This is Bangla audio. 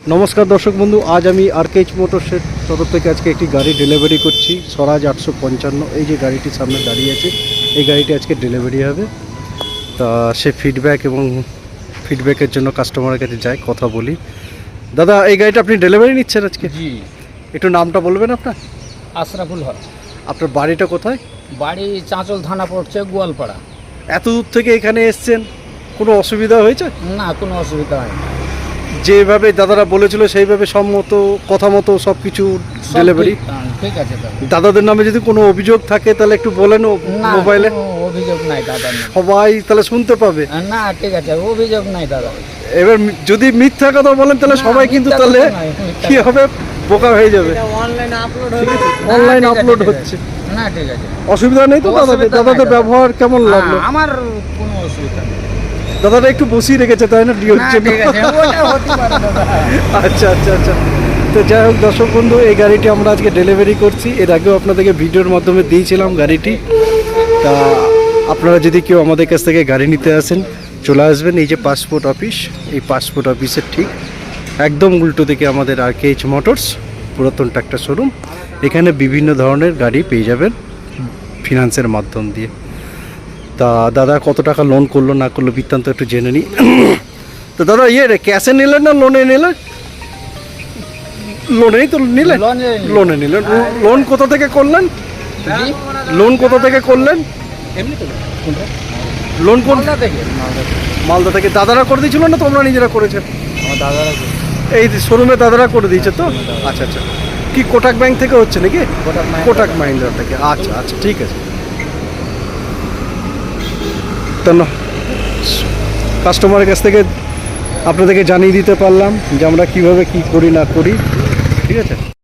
নমস্কার দর্শক বন্ধু, আজ আমি আরকেএইচ মোটরসের তরফ থেকে আজকে একটি গাড়ি ডেলিভারি করছি। স্বরাজ 855, এই যে গাড়িটির সামনে দাঁড়িয়ে আছে, এই গাড়িটি আজকে ডেলিভারি হবে। তা সে ফিডব্যাকের জন্য কাস্টমারের কাছে যাই, কথা বলি। দাদা, এই গাড়িটা আপনি ডেলিভারি নিচ্ছেন আজকে? জি, একটু নামটা বলবেন আপনার? আশরাফুল হক। আপনার বাড়িটা কোথায়? বাড়ি চাঁচল থানা পড়ছে, গোয়ালপাড়া। এত দূর থেকে এখানে এসছেন, কোনো অসুবিধা হয়েছে? না, কোনো অসুবিধা হয়নি। যেভাবে দাদারা বলেছিল সেইভাবে সম্মত কথা মতো সব কিছু সব ডেলিভারি? ঠিক আছে দাদা। দাদাদের নামে যদি কোনো অভিযোগ থাকে তাহলে একটু বলেন না, মোবাইলে, কোনো অভিযোগ নাই দাদা। সবাই তাহলে শুনতে পাবে। না, ঠিক আছে, অভিযোগ নাই দাদা। এবার যদি মিথ্যা কথা বলেন তাহলে না, সবাই কিন্তু মিথ্যা তাহলে কথা নয়, মিথ্যা কি হবে, বোকা হয়ে যাবে। অনলাইনে আপলোড না, অনলাইন আপলোড হচ্ছে, না, ঠিক আছে, অসুবিধা নেই তো? অসুবিধা নাই দাদাদের দাদা। ব্যবহার কেমন লাগলো? আমার কোনো অসুবিধা নেই। দাদাটা একটু বসিয়ে রেখেছে তাই না, ডিওর না, জন্য? ঠিক আছে, ওটা হতে পারে দাদা। আচ্ছা আচ্ছা আচ্ছা। তো যাই হোক দর্শক বন্ধু, এই গাড়িটি আমরা আজকে ডেলিভারি করছি। এর আগেও আপনাদেরকে ভিডিওর মাধ্যমে দিয়েছিলাম গাড়িটি। তা আপনারা যদি কেউ আমাদের কাছ থেকে গাড়ি নিতে আসেন, চলে আসবেন এই যে পাসপোর্ট অফিস, এই পাসপোর্ট অফিসের ঠিক একদম উল্টো দিকে আমাদের আরকেএইচ মোটরস পুরাতন ট্রাক্টর শোরুম। এখানে বিভিন্ন ধরনের গাড়ি পেয়ে যাবেন ফিনান্সের মাধ্যম দিয়ে। তা দাদা কত টাকা লোন করলো না করলো বৃত্তান্ত একটু জেনে নিই। তো দাদা ক্যাশে নিলেন না লোনে নিলেন? লোনেই তো নিলেন? লোনে নিলেন। লোন কোথা থেকে করলেন? জি? লোন কোথা থেকে করলেন? এমনি তো লোন কোন? মালদা থেকে। মালদা থেকে। দাদারা করে দিয়েছিল না তোমরা নিজেরা করেছেন? আমার দাদারা এই শোরুমে দাদারা করে দিয়েছে তো? আচ্ছা আচ্ছা। কি কোটাক ব্যাংক থেকে হচ্ছে নাকি? কোটাক মাহিন্দ্রা থেকে। আচ্ছা আচ্ছা, ঠিক আছে। তো কাস্টমারের কাছ থেকে আপনাদেরকে জানিয়ে দিতে পারলাম যে আমরা কীভাবে কী করি না করি। ঠিক আছে।